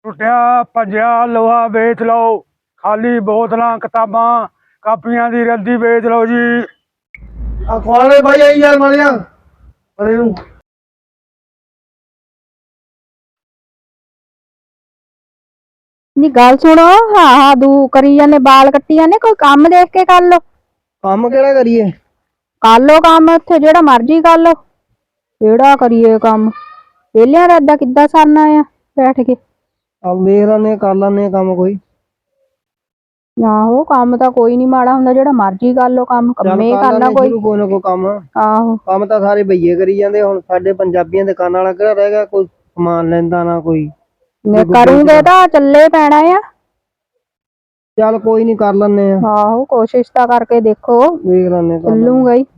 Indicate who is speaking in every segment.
Speaker 1: ਟੁੱਟਿਆ ਭੱਜਿਆ ਲੋਹਾ ਵੇਚ ਲਓ, ਖਾਲੀ ਬੋਤਲਾਂ ਕਿਤਾਬਾਂ ਕਾਪੀਆਂ ਦੀ ਰੱਦੀ ਵੇਚ ਲਓ ਜੀ।
Speaker 2: ਆ ਖਵਾਲੇ ਭਾਈ ਆਈ ਯਾਰ ਮਾਰਿਆ ਅਰੇ ਨੂੰ
Speaker 3: ਨੀ ਗੱਲ ਸੁਣੋ। ਹਾਂ ਦੂ ਕਰੀ ਜਾਂਦੇ, ਬਾਲ ਕੱਟੀ ਜਾਂਦੇ, ਕੋਈ ਕੰਮ ਦੇਖ ਕੇ ਕਰ ਲੋ।
Speaker 2: ਕੰਮ ਕਿਹੜਾ ਕਰੀਏ?
Speaker 3: ਕਰ ਲੋ ਕੰਮ ਉੱਥੇ ਜਿਹੜਾ ਮਰਜ਼ੀ ਕਰ ਲੋ। ਕਿਹੜਾ ਕਰੀਏ ਕੰਮ? ਵਿਹਲਿਆਂ ਦਾ ਏਦਾਂ ਕਿੱਦਾਂ ਸਰਨਾ ਆ ਬੈਠ ਕੇ?
Speaker 2: ਆ ਵੇਖ ਲੈਨੇ ਕਰ ਲੈਨੇ ਕੰਮ ਕੋਈ।
Speaker 3: ਆਹੋ ਕੰਮ ਤਾਂ ਕੋਈ ਨੀ ਮਾੜਾ ਹੁੰਦਾ, ਜਿਹੜਾ ਮਰਜ਼ੀ ਕਰ ਲੋ ਕੰਮ। ਕੰਮੇ ਕਰਨਾ ਕੋਈ
Speaker 2: ਨਾ ਕੋਈ ਕੰਮ।
Speaker 3: ਆਹੋ
Speaker 2: ਕੰਮ ਤਾਂ ਸਾਰੇ ਬਈਏ ਕਰੀ ਜਾਂਦੇ। ਹੁਣ ਸਾਡੇ ਪੰਜਾਬੀਆਂ ਦੇ ਕੰਨ ਵਾਲਾ ਕਿਹੜਾ ਰਹਿ ਗਿਆ? ਕੋਈ ਸਮਾਨ ਲੈਂਦਾ ਨਾ ਕੋਈ।
Speaker 3: ਕਰੂੰਗੇ ਤਾਂ ਚੱਲੇ ਪੈਣਾ ਆ।
Speaker 2: ਚੱਲ ਕੋਈ ਨੀ ਕਰ ਲੈਨੇ ਆ।
Speaker 3: ਆਹੋ ਕੋਸ਼ਿਸ਼ ਤਾਂ ਕਰਕੇ ਦੇਖੋ,
Speaker 2: ਵੇਖ ਲੈਨੇ
Speaker 3: ਚੱਲੂਗਾ ਹੀ।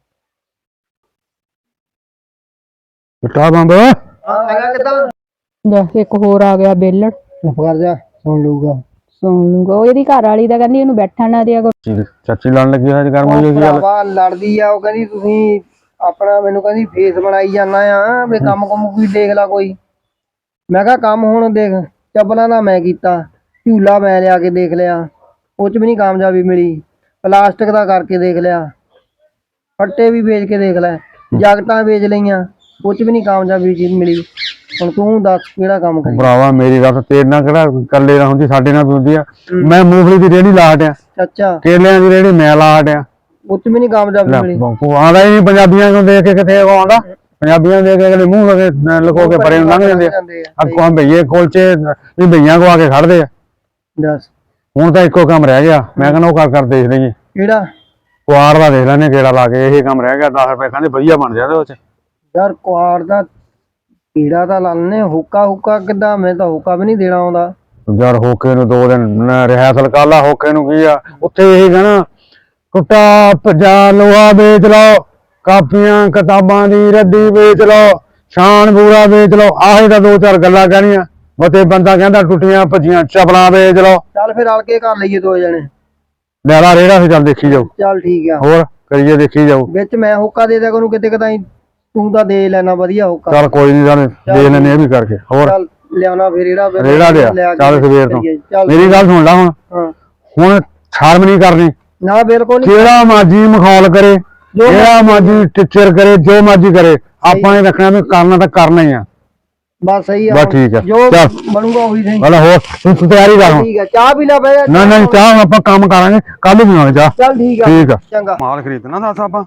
Speaker 1: ਬਟਾ ਬੰਬ
Speaker 2: ਹੈਗਾ ਕਿੱਦਾਂ?
Speaker 3: ਇੱਕ ਹੋਰ ਆ ਗਿਆ ਬੇਲੜ।
Speaker 2: ਚੁੱਪ ਕਰ ਜਾ, ਸੁਣ ਲੂਗਾ।
Speaker 3: ਸੁਣ ਲੂਗਾ। ਉਹ ਇਹਦੀ ਘਰ ਵਾਲੀ ਦਾ ਕਹਿੰਦੀ ਇਹਨੂੰ ਬੈਠਣ ਨਾ ਦਿਆ ਕਰੋ।
Speaker 1: ਚਾਚੀ ਲੜਨ ਲੱਗੀ ਹੋਈ ਗਰਮ ਹੋਈ ਹੋਈ ਗੱਲ।
Speaker 2: ਭਰਾਵਾ ਲੜਦੀ ਆ, ਉਹ ਕਹਿੰਦੀ ਤੁਸੀਂ ਆਪਣਾ ਮੈਨੂੰ ਕਹਿੰਦੀ ਫੇਸ ਬਣਾਈ ਜਾਣਾ ਆ ਵੀ ਕੰਮ ਕੁਮ ਕੋਈ ਦੇਖ ਲਾ ਕੋਈ। ਮੈਂ ਕਿਹਾ ਕੰਮ ਹੁਣ ਦੇਖ, ਚੱਪਲਾਂ ਦਾ ਮੈਂ ਕੀਤਾ, ਝੂਲਾ ਮੈਂ ਲਿਆ ਕੇ ਦੇਖ ਲਿਆ, ਉਹ ਚ ਵੀ ਨਹੀਂ ਕਾਮਯਾਬੀ ਮਿਲੀ। ਪਲਾਸਟਿਕ ਦਾ ਕਰਕੇ ਦੇਖ ਲਿਆ, ਫੱਟੇ ਵੀ ਵੇਚ ਕੇ ਦੇਖ ਲੈ, ਜੈਕਟਾਂ ਵੇਚ ਲਈਆਂ, ਉਹ ਚ ਵੀ ਨਹੀਂ ਕਾਮਯਾਬੀ ਮਿਲੀ। ਹੁਣ ਤੂੰ ਦੱਸ ਕਿਹੜਾ ਕੰਮ ਕਰੀ?
Speaker 1: ਭਰਾਵਾ ਮੇਰੀ ਗੱਲ ਤੇਰੇ ਨਾਲ ਕਿਹੜਾ ਇਕੱਲੇ ਨਾਲ ਹੁੰਦੀ, ਸਾਡੇ ਨਾਲ ਵੀ ਹੁੰਦੀ ਆ। ਮੈਂ ਮੂੰਗਫਲੀ ਦੀ ਰੇਹੜੀ ਲਾ ਹਟਿਆ,
Speaker 2: ਅੱਛਾ
Speaker 1: ਕੇਲਿਆਂ ਦੀ ਰੇਹੜੀ ਮੈਂ ਲਾ ਹਟਿਆ।
Speaker 2: ਉਹ ਚ ਵੀ ਨਹੀਂ ਕਾਮਯਾਬੀ ਮਿਲੀ।
Speaker 1: ਆਉਂਦਾ ਹੀ ਨਹੀਂ ਪੰਜਾਬੀਆਂ ਨੂੰ ਦੇਖ ਕੇ, ਕਿੱਥੇ ਆਉਂਦਾ? ਪੰਜਾਬੀਆਂ ਦੇ ਕੇ ਮੂੰਹ ਲੁਕੋ ਕੇ ਪਰੇ ਨੂੰ ਲੰਘ ਜਾਂਦੇ ਆ। ਅੱਗੋਂ ਭਈਏ ਕੁਲਚੇ ਵੀ ਭਈਆਂ ਕੋ ਆ ਕੇ ਖੜਦੇ ਆ।
Speaker 2: ਦੱਸ
Speaker 1: ਹੁਣ ਤਾਂ ਇੱਕੋ ਕੰਮ ਰਹਿ ਗਿਆ। ਮੈਂ ਕਹਿੰਦਾ ਉਹ ਕਰ ਦੇਖ ਲਈਏ,
Speaker 2: ਕਿਹੜਾ?
Speaker 1: ਕੁਆਰ ਦਾ ਦੇਖ ਲੈਣੇ ਗੇੜਾ ਲਾ ਕੇ। ਇਹ ਕੰਮ ਰਹਿ ਗਿਆ। 10 ਰੁਪਏ ਕਹਿੰਦੇ ਵਧੀਆ ਬਣ ਜਾਂਦੇ ਉਹ ਚ।
Speaker 2: ਯਾਰ ਕੁਆਰ ਦਾ ਕੀੜਾ ਤਾਂ ਲਾਣੇ। ਹੁੱਕਾ ਕਿੱਦਾਂ? ਮੈਂ ਤਾਂ ਹੁੱਕਾ ਵੀ ਨਹੀਂ ਦੇਣਾ ਆਉਂਦਾ
Speaker 1: ਯਾਰ। ਹੋਕੇ ਨੂੰ 2 ਦਿਨ ਰਿਹਰਸਲ ਕਰ ਲਾ। ਹੋਕੇ ਨੂੰ ਕੀ ਆ ਉੱਥੇ? ਇਹ ਕਹਿਣਾ ਟੁੱਟਾ ਭੱਜਾ ਲੋਹਾ ਵੇਚ ਲਓ, ਕਾਪੀਆਂ ਕਿਤਾਬਾਂ ਦੀ ਰੱਦੀ ਵੇਚ ਲਓ, ਸ਼ਾਨ ਬੂਰਾ ਵੇਚ ਲਓ। ਆਹੀ ਤਾਂ 2-4 ਗੱਲਾਂ ਕਹਿਣੀਆਂ। ਬਤੇ ਬੰਦਾ ਕਹਿੰਦਾ ਟੁੱਟੀਆਂ ਭੱਜੀਆਂ ਚੱਪਲਾਂ ਵੇਚ ਲਓ।
Speaker 2: ਚੱਲ ਫਿਰ ਰਲ ਕੇ ਕਰ ਲਈਏ 2 ਜਣੇ।
Speaker 1: ਲੈ ਲਾ ਰੇੜਾ ਸੀ, ਚੱਲ ਦੇਖੀ ਜਾਓ।
Speaker 2: ਚੱਲ ਠੀਕ ਆ,
Speaker 1: ਹੋਰ ਕਰੀਏ, ਦੇਖੀ ਜਾਓ।
Speaker 2: ਵਿੱਚ ਮੈਂ ਹੁੱਕਾ ਦੇ ਦਿਆ ਕਰੂੰ ਕਿਤੇ ਕਦਾਈ, ਤੂੰ ਤਾਂ ਦੇ ਲੈਣਾ ਵਧੀਆ ਹੁੱਕਾ।
Speaker 1: ਚੱਲ ਕੋਈ ਨੀ, ਜਾਨੇ ਦੇ ਲੈਣੇ ਇਹ ਵੀ ਕਰਕੇ। ਹੋਰ
Speaker 2: ਚੱਲ ਲਿਆਉਣਾ ਫਿਰ ਰੇੜਾ
Speaker 1: ਲਿਆ। ਚੱਲ ਸਵੇਰ ਤੋਂ
Speaker 2: ਚੱਲ
Speaker 1: ਮੇਰੀ ਗੱਲ ਸੁਣ ਲਾ।
Speaker 2: ਹਾਂ
Speaker 1: ਹੁਣ ਸ਼ਰਮ ਨਹੀਂ ਕਰਨੀ।
Speaker 2: ਨਾ ਬਿਲਕੁਲ ਨਹੀਂ।
Speaker 1: ਜਿਹੜਾ ਮਰਜੀ ਮਖੌਲ ਕਰੇ, ਜਿਹੜਾ ਮਰਜੀ ਟੀਚਰ ਕਰੇ, ਜੋ ਮਰਜੀ ਕਰੇ, ਆਪਾਂ ਨੇ ਰੱਖਣਾ ਵੀ ਕਰਨਾ ਤਾਂ ਕਰਨਾ ਹੀ ਆ।
Speaker 2: ਬਸ ਸਹੀ ਆ।
Speaker 1: ਬਸ ਠੀਕ ਆ,
Speaker 2: ਜੋ
Speaker 1: ਚੱਲ
Speaker 2: ਬਣੂਗਾ ਉਹੀ ਸਹੀ।
Speaker 1: ਭਲਾ ਹੋਰ ਤੂੰ ਤਿਆਰੀ ਕਰ ਹੁਣ।
Speaker 2: ਠੀਕ ਆ, ਚਾਹ ਪੀ ਲੈ ਬਈ।
Speaker 1: ਨਾ ਚਾਹ ਆਪਾਂ ਕੰਮ ਕਰਾਂਗੇ, ਕੱਲ ਨੂੰ ਪੀਵਾਂਗੇ ਚਾਹ।
Speaker 2: ਚੱਲ ਠੀਕ ਆ,
Speaker 1: ਠੀਕ ਆ।
Speaker 2: ਚੰਗਾ।
Speaker 1: ਮਾਲ ਖਰੀਦਣਾ ਦੱਸ ਆਪਾਂ।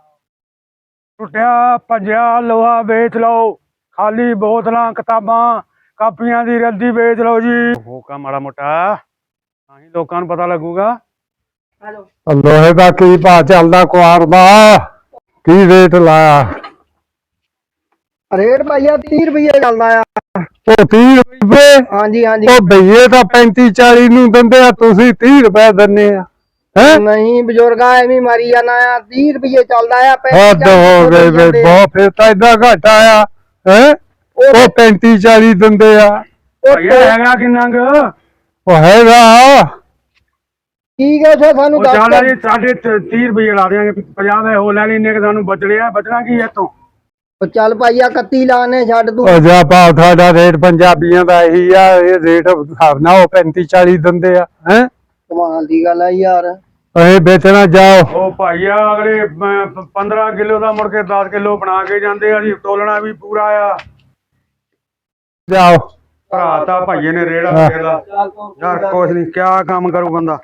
Speaker 1: ਟੁੱਟਿਆ ਭੱਜਿਆ ਲੋਹਾ ਵੇਚ ਲਓ, ਖਾਲੀ ਬੋਤਲਾਂ ਕਿਤਾਬਾਂ ਕਾਪੀਆਂ ਦੀ ਰੱਦੀ ਵੇਚ ਲਓ ਜੀ। ਹੋਕਾ ਮਾੜਾ ਮੋਟਾ ਤਾਂ ਹੀ ਲੋਕਾਂ ਨੂੰ ਪਤਾ ਲੱਗੂਗਾ। ਲੋਹੇ ਦਾ ਕੀ ਭਾਅ ਚੱਲਦਾ? ਕੁਆਰ ਦਾ ਕੀ ਰੇਟ ਲਾਇਆ?
Speaker 2: ਰੇਟ ਭਾਈਆ 30 ਰੁਪਏ ਚੱਲਦਾ ਆ।
Speaker 1: ਉਹ 30 ਰੁਪਏ?
Speaker 2: ਹਾਂਜੀ ਹਾਂਜੀ।
Speaker 1: ਉਹ ਭਈਏ ਤਾਂ 35-40 ਨੂੰ ਦਿੰਦੇ ਆ, ਤੁਸੀਂ 30 ਰੁਪਏ ਦਿੰਦੇ ਆ। ਹੈ
Speaker 2: ਨਹੀਂ ਬਜ਼ੁਰਗਾ ਐਵੇਂ ਮਾਰੀ ਜਾਣਾ ਆ। 30 ਰੁਪਏ ਚੱਲਦਾ ਆ।
Speaker 1: ਹੱਦ ਹੋ ਗਈ ਬਈ, ਬਹੁਤ ਫਿਰ ਤਾਂ ਏਦਾਂ ਘੱਟ ਆਇਆ ਹੈ। ਉਹ 35-40 ਦਿੰਦੇ ਆ। ਹੈਗਾ ਕਿੰਨਾ ਕੁ? ਉਹ ਹੈਗਾ
Speaker 2: ਠੀਕ ਹੈ ਸਰ, ਸਾਨੂੰ ਦੱਸ
Speaker 1: ਚੱਲ ਜੀ, ਸਾਡੇ 30 ਰੁਪਏ ਲਾ ਦਿਆਂਗੇ। 50 ਦੇ ਹੋ ਲੈ ਲੈਣੇ, ਸਾਨੂੰ ਬਚੜੇ ਆ। ਬਚਣਾ ਕੀ ਇੱਥੋਂ?
Speaker 2: ਚੱਲ ਭਾਈਆ 31 ਲਾਣੇ ਛੱਡ ਤੂੰ।
Speaker 1: ਉਹ ਜਾ ਭਾਅ, ਤੁਹਾਡਾ ਰੇਟ ਪੰਜਾਬੀਆਂ ਦਾ ਇਹੀ ਆ। ਇਹ ਰੇਟ ਹਿਸਾਬ ਨਾਲ ਉਹ 35-40 ਦਿੰਦੇ ਆ। ਹੈ
Speaker 2: ਕਮਾਲ ਦੀ ਗੱਲ ਆ ਯਾਰ।
Speaker 1: ਇਹ ਵੇਚਣਾ ਜਾਓ। ਉਹ ਭਾਈਆ ਅਗਲੇ 15 ਕਿਲੋ ਦਾ ਮੁੜ ਕੇ 10 ਕਿਲੋ ਬਣਾ ਕੇ ਜਾਂਦੇ ਆ ਜੀ। ਤੋਲਣਾ ਵੀ ਪੂਰਾ ਆ। ਜਾਓ ਭਰਾ, ਤਾਂ ਭਾਈਏ ਨੇ ਰੇੜਾ ਫੇਰਦਾ ਯਾਰ। ਕੁਛ ਨਹੀਂ, ਕਿਆ ਕੰਮ ਕਰੂ ਬੰਦਾ।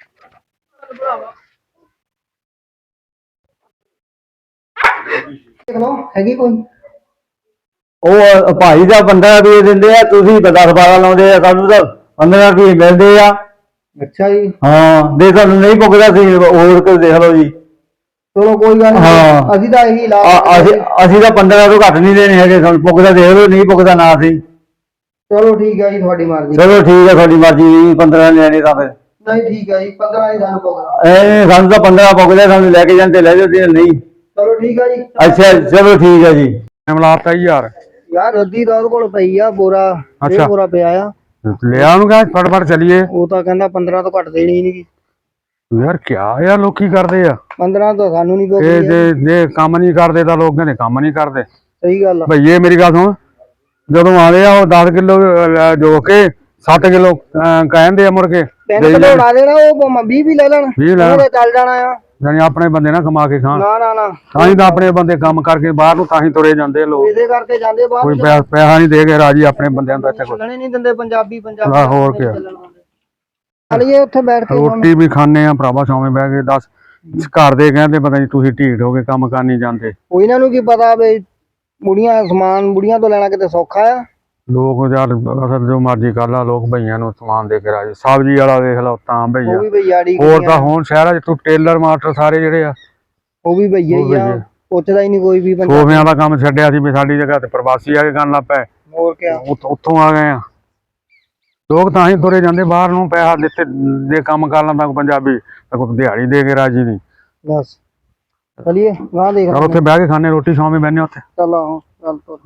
Speaker 2: ਦੇਖ ਲਓ ਹੈਗੀ ਕੋਈ।
Speaker 4: ਉਹ ਭਾਈ ਦਾ 15 ਰੁਪਏ ਦਿੰਦੇ ਆ, ਤੁਸੀਂ 10-12 ਲਾਉਂਦੇ ਆ, ਸਾਨੂੰ ਤਾਂ 15 ਰੁਪਏ ਮਿਲਦੇ ਆ।
Speaker 2: ਅੱਛਾ ਜੀ।
Speaker 4: ਹਾਂ ਦੇ ਤੁਹਾਨੂੰ ਨਹੀਂ ਪੁੱਗਦਾ ਸੀ, ਹੋਰ ਕੋਈ ਦੇਖ ਲਓ ਜੀ।
Speaker 2: ਚਲੋ ਕੋਈ ਗੱਲ ਨਹੀਂ, ਅਸੀਂ ਤਾਂ ਇਹੀ ਲਾ
Speaker 4: ਅਸੀਂ ਤਾਂ 15 ਤੋਂ ਘੱਟ ਨਹੀਂ ਦੇਣੇ ਹੈਗੇ। ਤੁਹਾਨੂੰ ਪੁੱਗਦਾ ਦੇਖ ਲਓ, ਨਹੀਂ ਪੁੱਗਦਾ ਨਾ ਸੀ।
Speaker 2: ਚਲੋ ਠੀਕ ਹੈ ਜੀ, ਤੁਹਾਡੀ ਮਰਜ਼ੀ।
Speaker 4: ਚਲੋ ਠੀਕ ਹੈ, ਤੁਹਾਡੀ ਮਰਜ਼ੀ। 15 ਲੈਣੇ ਤਾਂ ਫਿਰ
Speaker 2: ਨਹੀਂ ਠੀਕ ਹੈ ਜੀ, 15 ਹੀ ਸਾਨੂੰ ਪਊਗਾ।
Speaker 4: ਸਾਨੂੰ ਤਾਂ 15 ਪੁੱਗਦਾ, ਸਾਨੂੰ ਲੈ ਕੇ ਜਾਂਦੇ ਲੈ ਜਾਂਦੇ ਨਹੀਂ।
Speaker 2: ਚਲੋ ਠੀਕ ਹੈ ਜੀ।
Speaker 4: ਅੱਛਾ ਚਲੋ ਠੀਕ ਹੈ ਜੀ।
Speaker 1: ਮਿਲਾਤਾ ਯਾਰ।
Speaker 2: ਯਾਰ ਰੱਦੀ ਦਾ ਉਹਦੇ ਕੋਲ ਪਈ ਆ ਬੋਰਾ।
Speaker 1: ਅੱਛਾ।
Speaker 2: ਬੋਰਾ ਪਿਆ ਆ।
Speaker 1: ਲਿਆ ਉਹਨੂੰ ਕਹ ਫਟਫਟ ਚੱਲੀਏ।
Speaker 2: ਉਹ ਤਾਂ ਕਹਿੰਦਾ 15 ਤੋਂ ਘੱਟ ਦੇਣੀ ਨਹੀਂ।
Speaker 1: ਯਾਰ ਕਿਆ ਯਾਰ, ਲੋਕੀ ਕਰਦੇ ਆ
Speaker 2: 15 ਤੋਂ ਸਾਨੂੰ ਨਹੀਂ
Speaker 1: ਇਹ।
Speaker 2: ਪਊਗੀ।
Speaker 1: ਜੇ ਕੰਮ ਨਹੀਂ ਕਰਦੇ ਤਾਂ ਲੋਕ ਕਹਿੰਦੇ ਕੰਮ ਨਹੀਂ ਕਰਦੇ।
Speaker 2: ਸਹੀ ਗੱਲ ਆ।
Speaker 1: ਭਈਏ ਮੇਰੀ ਗੱਲ ਸੁਣ, ਜਦੋਂ ਆਲੇ ਆ ਉਹ 10 ਕਿਲੋ ਜੋ ਕੇ 7 ਕਿਲੋ ਕਹਿੰਦੇ ਆ ਮੁੜ ਕੇ
Speaker 2: 3 ਕਿਲੋ ਲਾ ਦੇਣਾ, ਉਹ 20 ਵੀ ਲੈ ਲੈਣ,
Speaker 1: 20 ਲੈਣ।
Speaker 2: ਉਹਦੇ ਚੱਲ ਜਾਣਾ ਆ।
Speaker 1: ਜਾਨੀ ਆਪਣੇ ਬੰਦੇ ਨਾ ਕਮਾ ਕੇ ਖਾਣ,
Speaker 2: ਨਾ ਨਾ ਨਾ,
Speaker 1: ਤਾਂ ਹੀ ਤਾਂ ਆਪਣੇ ਬੰਦੇ ਕੰਮ ਕਰਕੇ ਬਾਹਰ ਨੂੰ ਤਾਂ ਹੀ ਤੁਰੇ ਜਾਂਦੇ ਲੋਕ।
Speaker 2: ਇਹਦੇ ਕਰਕੇ ਜਾਂਦੇ ਬਾਹਰ।
Speaker 1: ਕੋਈ ਪੈਸਾ ਨਹੀਂ ਦੇ ਕੇ ਰਾਜੀ ਆਪਣੇ ਬੰਦਿਆਂ ਦਾ ਇੱਥੇ ਕੋਈ।
Speaker 2: ਚੱਲਣੇ ਨਹੀਂ ਦਿੰਦੇ ਪੰਜਾਬੀ
Speaker 1: ਹੋਰ ਕੀ
Speaker 2: ਚਲੀਏ ਉੱਥੇ ਬੈਠ ਕੇ
Speaker 1: ਰੋਟੀ ਵੀ ਖਾਣੇ ਆ ਭਰਾਵਾ, ਸ਼ਾਮੇ ਬਹਿ ਕੇ ਦੱਸ। ਘਰ ਦੇ ਕਹਿੰਦੇ ਪਤਾ ਨਹੀਂ ਤੁਸੀਂ ਢੀਠ ਹੋ ਕੇ ਕੰਮ ਕਰ ਨਹੀਂ ਜਾਂਦੇ।
Speaker 2: ਉਹ ਇਹਨਾਂ ਨੂੰ ਕੀ ਪਤਾ ਵੀ ਬੁੜੀਆਂ ਤੋਂ ਲੈਣਾ ਕਿਤੇ ਸੌਖਾ ਆ।
Speaker 1: ਲੋਕ ਯਾਰ ਅਸਲ ਜੋ ਮਰਜ਼ੀ ਕਰ ਲਾ, ਲੋਕ ਭਈਆਂ ਨੂੰ ਸਮਾਨ ਦੇ ਕੇ ਰਾਜੀ। ਸਬਜ਼ੀ ਵਾਲਾ ਦੇਖ ਲਾ ਤਾਂ
Speaker 2: ਉਹ
Speaker 1: ਭਈਆ,
Speaker 2: ਵੀ ਭਈਆੜੀ,
Speaker 1: ਹੋਰ ਤਾਂ ਹੁਣ ਸ਼ਹਿਰਾਂ 'ਚ ਤੂੰ ਟੇਲਰ ਮਾਸਟਰ ਸਾਰੇ ਜਿਹੜੇ ਆ
Speaker 2: ਉਹ ਵੀ ਭਈਆ ਹੀ ਆ, ਪੁੱਛਦਾ ਹੀ ਨਹੀਂ ਕੋਈ ਵੀ ਬੰਦਾ।
Speaker 1: ਸੋਫਿਆਂ ਦਾ ਕੰਮ ਛੱਡਿਆ ਸੀ ਵੀ ਸਾਡੀ ਜਗ੍ਹਾ ਤੇ ਪ੍ਰਵਾਸੀ ਆ ਕੇ ਕਰਨ ਲੱਗ ਪਏ।
Speaker 2: ਹੋਰ ਕਿਆ,
Speaker 1: ਉੱਥੋਂ ਆ ਗਏ ਆ ਲੋਕ, ਤਾਂ ਹੀ ਤੁਰੇ ਜਾਂਦੇ ਬਾਹਰ ਨੂੰ। ਪੈਸਾ ਦਿੱਤੇ ਜੇ ਕੰਮ ਕਰ ਲੈਂਦਾ ਪੰਜਾਬੀ ਤਾਂ ਕੋਈ ਦਿਹਾੜੀ ਦੇ ਕੇ ਰਾਜੀ ਨਹੀਂ।
Speaker 2: ਬਸ ਚਲੀਏ ਗਾਂ ਦੇਖ
Speaker 1: ਚਲ ਉੱਥੇ ਬਹਿ ਕੇ ਖਾਣੇ ਰੋਟੀ, ਸ਼ਾਮੇ ਬਹਿਨੇ ਉੱਥੇ।
Speaker 2: ਚੱਲ ਆਹੋ ਚੱਲ ਤੁਰ।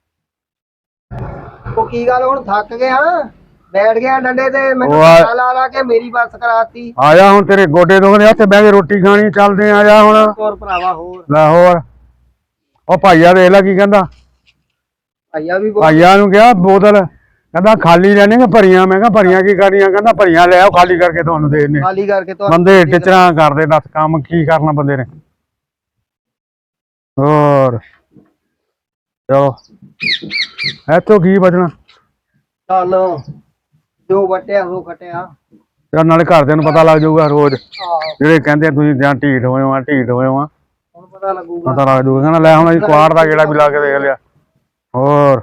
Speaker 2: ਉਹ ਕੀ ਗੱਲ ਹੁਣ ਥੱਕ ਗਿਆ, ਬੈਠ ਗਿਆ ਡੰਡੇ ਤੇ, ਮੈਨੂੰ ਲਾ ਲਾ ਕੇ ਮੇਰੀ ਬੱਸ ਕਰਾਤੀ।
Speaker 1: ਆ ਜਾ ਹੁਣ, ਤੇਰੇ ਗੋਡੇ ਦੁਖਦੇ, ਉੱਥੇ ਬਹਿ ਕੇ ਰੋਟੀ ਖਾਣੀ, ਚੱਲਦੇ ਆ ਜਾ ਹੁਣ।
Speaker 2: ਹੋਰ ਭਰਾਵਾ ਹੋਰ
Speaker 1: ਲੈ ਹੋਰ, ਉਹ ਭਾਈਆ ਦੇਖ ਲੈ ਕੀ ਕਹਿੰਦਾ।
Speaker 2: ਭਾਈਆ ਵੀ
Speaker 1: ਭਾਈਆ ਨੂੰ ਕਿਹਾ ਬੋਤਲ, ਕਹਿੰਦਾ ਖਾਲੀ ਲੈਣੇ ਕਿ ਭਰੀਆਂ? ਮੈਂ ਕਿਹਾ ਭਰੀਆਂ ਕੀ ਕਰਨੀਆਂ? ਕਹਿੰਦਾ ਭਰੀਆਂ ਲੈ ਆਓ, ਖਾਲੀ ਕਰਕੇ ਤੁਹਾਨੂੰ ਦੇ ਦਿੰਦੇ।
Speaker 2: ਖਾਲੀ ਕਰਕੇ
Speaker 1: ਬੰਦੇ ਟਿਚਰਾਂ ਕਰਦੇ, ਦੱਸ ਕੰਮ ਕੀ ਕਰਨਾ ਬੰਦੇ ਨੇ। ਹੋਰ ਚਲੋ ਇੱਥੋਂ ਕੀ ਬਚਣਾ।
Speaker 2: ਚੱਲ ਜੋ ਵਟਿਆ ਸੋ ਖਟਿਆ।
Speaker 1: ਯਾਰ ਨਾਲੇ ਘਰਦਿਆਂ ਨੂੰ ਪਤਾ ਲੱਗ ਜਾਊਗਾ ਰੋਜ਼, ਜਿਹੜੇ ਕਹਿੰਦੇ ਤੁਸੀਂ ਜਾਂ ਢੀਠ ਹੋਏ ਹੋ, ਢੀਠ ਹੋਏ ਹੋ,
Speaker 2: ਹੁਣ ਪਤਾ ਲੱਗੂਗਾ।
Speaker 1: ਪਤਾ ਲੱਗ ਜਾਊਗਾ। ਕਹਿੰਦਾ ਲੈ ਹੁਣ ਅਸੀਂ ਕੁਆੜ ਦਾ ਗੇੜਾ ਵੀ ਲਾ ਕੇ ਦੇਖ ਲਿਆ। ਹੋਰ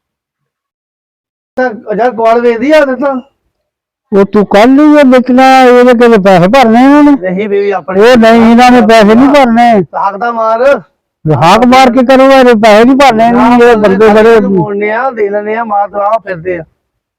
Speaker 2: ਅੱਛਾ ਗੋਲ ਵੇਚਦੀ ਆ ਦੱਸਾਂ,
Speaker 1: ਉਹ ਤੂੰ ਕੱਲ ਹੀ ਵੇਚਣਾ, ਇਹਦੇ ਕਿਤੇ ਪੈਸੇ ਭਰਨੇ ਇਹਨਾਂ ਨੇ।
Speaker 2: ਨਹੀਂ ਵੀ ਆਪਣੇ
Speaker 1: ਉਹ ਨਹੀਂ, ਇਹਨਾਂ ਨੇ ਪੈਸੇ ਨਹੀਂ ਭਰਨੇ।
Speaker 2: ਹੱਕ ਦਾ ਮਾਰ
Speaker 1: ਹਾਕ ਮਾਰ ਕੇ ਕਰੂਗਾ, ਇਹ ਪੈਸੇ ਨਹੀਂ ਭਰਨੇ। ਇਹ ਬੰਦੇ ਬੜੇ
Speaker 2: ਮੋੜਨੇ ਆ, ਦੇ ਲੈਣੇ ਆ, ਮਾਰ ਦਵਾ ਫਿਰਦੇ ਆ।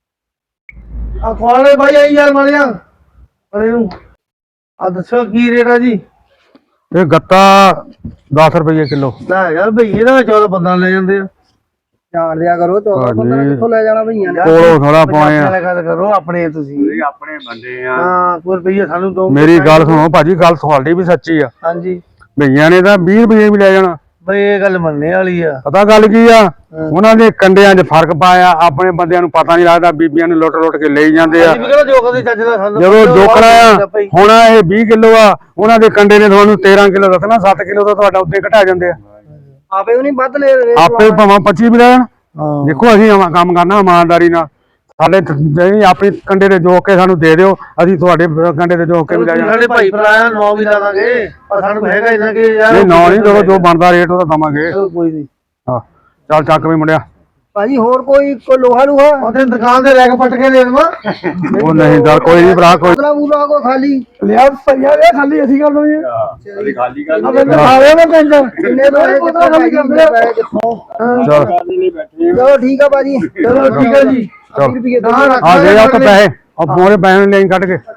Speaker 2: ਆ ਖਵਾਲੇ ਭਾਈ ਆਈ ਯਾਰ ਮਲਿਆ ਅਰੇ ਨੂੰ ਆ ਦੱਸੋ ਕੀ ਰੇਟ ਆ ਜੀ?
Speaker 1: ਇਹ ਗੱਤਾ 10 ਰੁਪਏ ਕਿਲੋ।
Speaker 2: ਨਾ ਯਾਰ ਭਈਏ ਦਾ 14 15 ਲੈ ਜਾਂਦੇ ਆ। ਜਾਣ ਦਿਆ ਕਰੋ, 14 15 ਕਿੱਥੋਂ ਲੈ ਜਾਣਾ ਭਈਆਂ ਨੇ?
Speaker 1: ਕੋਲੋਂ ਥੋੜਾ ਪਾਏ ਆ।
Speaker 2: ਗੱਲ ਕਰੋ ਆਪਣੇ, ਤੁਸੀਂ
Speaker 1: ਆਪਣੇ ਬੰਦੇ ਆ।
Speaker 2: ਹਾਂ ਕੋਈ ਰੁਪਈਆ ਸਾਨੂੰ ਦੋ।
Speaker 1: ਮੇਰੀ ਗੱਲ ਸੁਣੋ ਭਾਜੀ, ਗੱਲ ਤੁਹਾਡੀ ਵੀ ਸੱਚੀ ਆ।
Speaker 2: ਹਾਂਜੀ
Speaker 1: ਭਈਆਂ ਨੇ ਤਾਂ 20 ਰੁਪਏ ਵੀ ਲੈ ਜਾਣਾ।
Speaker 2: ਬਈ ਇਹ ਗੱਲ ਮੰਨਣੇ ਵਾਲੀ ਆ।
Speaker 1: ਪਤਾ ਗੱਲ ਕੀ ਆ, ਉਹਨਾਂ ਦੇ ਕੰਡਿਆਂ 'ਚ ਫਰਕ ਪਾਇਆ। ਆਪਣੇ ਬੰਦਿਆਂ ਨੂੰ ਪਤਾ ਨਹੀਂ ਲੱਗਦਾ, ਬੀਬੀਆਂ ਨੂੰ ਲੁੱਟ ਕੇ ਲਈ ਜਾਂਦੇ ਆ। ਜਦੋਂ ਜੋਖਣਾ ਆ, ਹੁਣ ਇਹ 20 ਕਿਲੋ ਆ, ਉਹਨਾਂ ਦੇ ਕੰਡੇ ਨੇ ਤੁਹਾਨੂੰ 13 ਕਿਲੋ ਦੱਸਣਾ, 7 ਕਿਲੋ ਤਾਂ ਤੁਹਾਡਾ ਉੱਤੇ ਘਟਾ ਜਾਂਦੇ ਆ।
Speaker 2: ਆਪੇ ਉਹ ਨਹੀਂ ਵੱਧ ਲੈ
Speaker 1: ਆਪੇ ਭਾਵੇਂ 25 ਵੀ ਲੈਣ। ਦੇਖੋ ਅਸੀਂ ਕੰਮ ਕਰਨਾ ਇਮਾਨਦਾਰੀ ਨਾਲ। ਸਾਡੇ ਜਿਹੜੀ ਆਪਣੀ ਕੰਡੇ ਦੇ ਜੋਕ ਕੇ ਸਾਨੂੰ ਦੇ ਦਿਓ, ਅਸੀਂ ਤੁਹਾਡੇ ਕੰਡੇ ਦੇ ਜੋਕ ਕੇ ਵੀ ਲੈ ਜਾਵਾਂਗੇ।
Speaker 2: ਸਾਡੇ ਭਾਈ ਭਰਾ 9 ਵੀ ਲਾ ਦਾਂਗੇ, ਪਰ ਸਾਨੂੰ ਹੈਗਾ ਇਹਨਾਂ ਕਿ ਯਾਰ
Speaker 1: ਇਹ 9 ਨਹੀਂ, ਜੋ ਬਣਦਾ ਰੇਟ ਉਹਦਾ ਦਵਾਂਗੇ।
Speaker 2: ਕੋਈ ਨਹੀਂ।
Speaker 1: ਹਾਂ ਚੱਲ ਚੱਕ ਵੀ ਮੁੰਡਿਆ।
Speaker 2: ਭਾਜੀ ਹੋਰ ਕੋਈ ਲੋਹਾ ਲੂਹਾ ਉਹਦੇ ਦੁਕਾਨ ਤੇ ਲੈ ਕੇ ਪੱਟ ਕੇ ਦੇ ਦੇਵਾਂ।
Speaker 1: ਉਹ ਨਹੀਂ ਚੱਲ ਕੋਈ ਨਹੀਂ ਭਰਾ, ਕੋਈ
Speaker 2: ਬੂਲਾ ਕੋ ਖਾਲੀ
Speaker 1: ਲਿਆ ਭਈਆ ਲਿਆ ਖਾਲੀ, ਅਸੀਂ ਕਰ ਲਵਾਂਗੇ।
Speaker 2: ਖਾਲੀ ਕਰ
Speaker 1: ਖਾਵੇ ਨਾ ਟੈਂਸ਼ਨ।
Speaker 2: ਕਿੰਨੇ ਪੈਸੇ ਕਿੱਥੋਂ ਖਾਲੀ ਕਰਦੇ
Speaker 1: ਚਲ
Speaker 2: ਚਲੋ ਠੀਕ ਆ ਭਾਜੀ, ਚਲੋ ਠੀਕ ਆ ਜੀ। 20 ਰੁਪਏ
Speaker 1: ਆ ਦੇ ਉੱਥੇ ਪੈਸੇ, ਉਹ ਮੋਰੇ ਪੈਸੇ ਲੈ ਕੱਢ ਕੇ।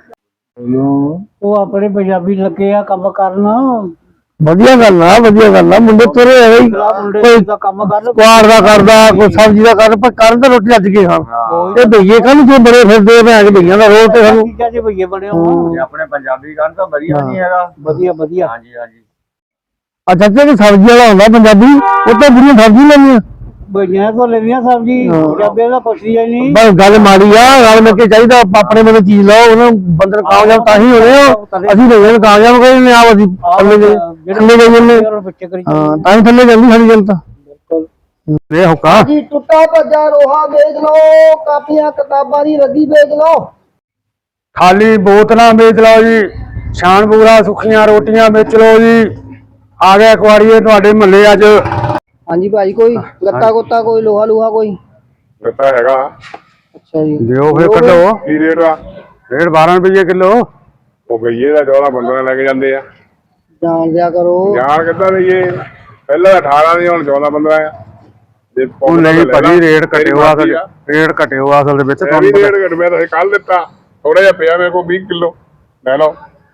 Speaker 2: ਉਹ ਆਪਣੇ ਪੰਜਾਬੀ ਲੱਗੇ ਆ ਕੰਮ ਕਰਨ।
Speaker 1: ਵਧੀਆ ਗੱਲ ਆ, ਵਧੀਆ ਗੱਲ ਆ। ਮੁੰਡੇ ਤੁਰੇ ਹੋਏ ਹੀ, ਕੋਈ
Speaker 2: ਦਾ ਕੰਮ ਕਰ
Speaker 1: ਕੁਆੜ ਦਾ ਕਰਦਾ, ਕੋਈ ਸਬਜ਼ੀ ਦਾ ਕਰਦਾ, ਪਰ ਕਰਨ ਤਾਂ ਰੋਟੀ ਅੱਜ ਕੇ ਖਾਣ। ਇਹ ਭਈਏ ਕਾਹਨੂੰ ਜੋ ਬੜੇ ਫਿਰਦੇ ਭੈਣ ਕੇ ਭਈਆਂ ਦਾ ਰੋਲ ਤੇ ਸਾਨੂੰ।
Speaker 2: ਚੀਜ਼ਾਂ ਦੇ ਭਈਏ ਬਣੇ ਹੋ।
Speaker 4: ਆਪਣੇ ਪੰਜਾਬੀ ਗਾਣ ਤਾਂ ਵਧੀਆ ਨਹੀਂ ਹੈਗਾ।
Speaker 2: ਵਧੀਆ ਵਧੀਆ।
Speaker 4: ਹਾਂਜੀ ਹਾਂਜੀ।
Speaker 1: ਅੱਛਾ ਤੇ ਸਬਜ਼ੀ ਵਾਲਾ ਹੁੰਦਾ ਪੰਜਾਬੀ, ਉਹ ਤਾਂ ਬੁੜੀਆਂ ਸਬਜ਼ੀ ਲੈਂਦੀਆਂ।
Speaker 2: ਭਈਆਂ ਕੋ ਲੈਣੀਆਂ ਸਬਜ਼ੀ, ਪੰਜਾਬੀ ਦਾ ਪੁੱਛਦੀ ਨਹੀਂ।
Speaker 1: ਬਸ ਗੱਲ ਮਾੜੀ ਆ, ਰਲ ਮਿਲ ਕੇ ਚਾਹੀਦਾ। ਆਪਣੇ ਮਨ ਚੀਜ਼ ਲਓ, ਉਹਨਾਂ ਬੰਦੇ ਨੂੰ ਕਾਮਯਾਬ ਤਾਂ ਹੀ ਹੋਣੇ ਹੋ। ਅਸੀਂ ਭਈਆਂ ਨੂੰ ਕਾਮਯਾਬ ਕੋਈ ਨਹੀਂ, ਆਪ ਅਸੀਂ ਥੱਲੇ ਗਏ ਹਾਂ, ਤਾਂ ਹੀ ਥੱਲੇ ਜਾਂਦੀ ਸਾਡੀ ਜਨਤਾ। ਇਹ ਹੁਕਾ
Speaker 2: ਜੀ ਟੁੱਟਾ ਭੱਜਾ ਰੋਹਾ ਵੇਚ ਲਓ, ਕਾਪੀਆਂ ਕਿਤਾਬਾਂ ਦੀ ਰੱਦੀ ਵੇਚ ਲਓ,
Speaker 1: ਖਾਲੀ ਬੋਤਲਾਂ ਵੇਚ ਲਓ ਜੀ, ਸ਼ਾਨਪੂਰਾ ਸੁੱਖੀਆਂ ਰੋਟੀਆਂ ਵੇਚ ਲਓ ਜੀ। ਆ ਗਏ ਕੁਆੜੀਏ ਤੁਹਾਡੇ ਮਹੱਲੇ ਅੱਜ।
Speaker 2: ਹਾਂਜੀ ਭਾਜੀ ਕੋਈ ਗੱਤਾ ਗੁੱਤਾ ਕੋਈ ਲੋਹਾ ਲੂਹਾ ਕੋਈ?
Speaker 5: ਗੱਤਾ ਹੈਗਾ।
Speaker 2: ਅੱਛਾ ਜੀ
Speaker 1: ਦਿਓ ਫਿਰ ਕੱਢੋ।
Speaker 5: ਕੀ ਰੇਟ ਆ?
Speaker 1: ਰੇਟ 12 ਰੁਪਏ ਕਿਲੋ।
Speaker 5: ਉਹ ਗਈਏ ਦਾ 14 15 ਲੈ ਕੇ ਜਾਂਦੇ ਆ।
Speaker 2: ਜਾਣ ਦਿਆ ਕਰੋ।
Speaker 5: ਯਾਰ ਕਿੱਦਾਂ ਲਈਏ? ਪਹਿਲਾਂ 18 ਦੀ, ਹੁਣ 14 15 ਆ।
Speaker 1: ਉਹ ਨਹੀਂ ਭਾਜੀ, ਰੇਟ ਘਟਿਓ ਅਸਲ, ਰੇਟ ਘਟਿਓ ਅਸਲ ਦੇ ਵਿੱਚ।
Speaker 5: ਤੁਹਾਨੂੰ ਰੇਟ ਘਟਿਆ ਤਾਂ ਕੱਲ ਦਿੱਤਾ, ਥੋੜਾ ਜਿਹਾ ਪਿਆ ਮੇਰੇ ਕੋਲ 20 ਕਿਲੋ ਲੈ ਲਓ।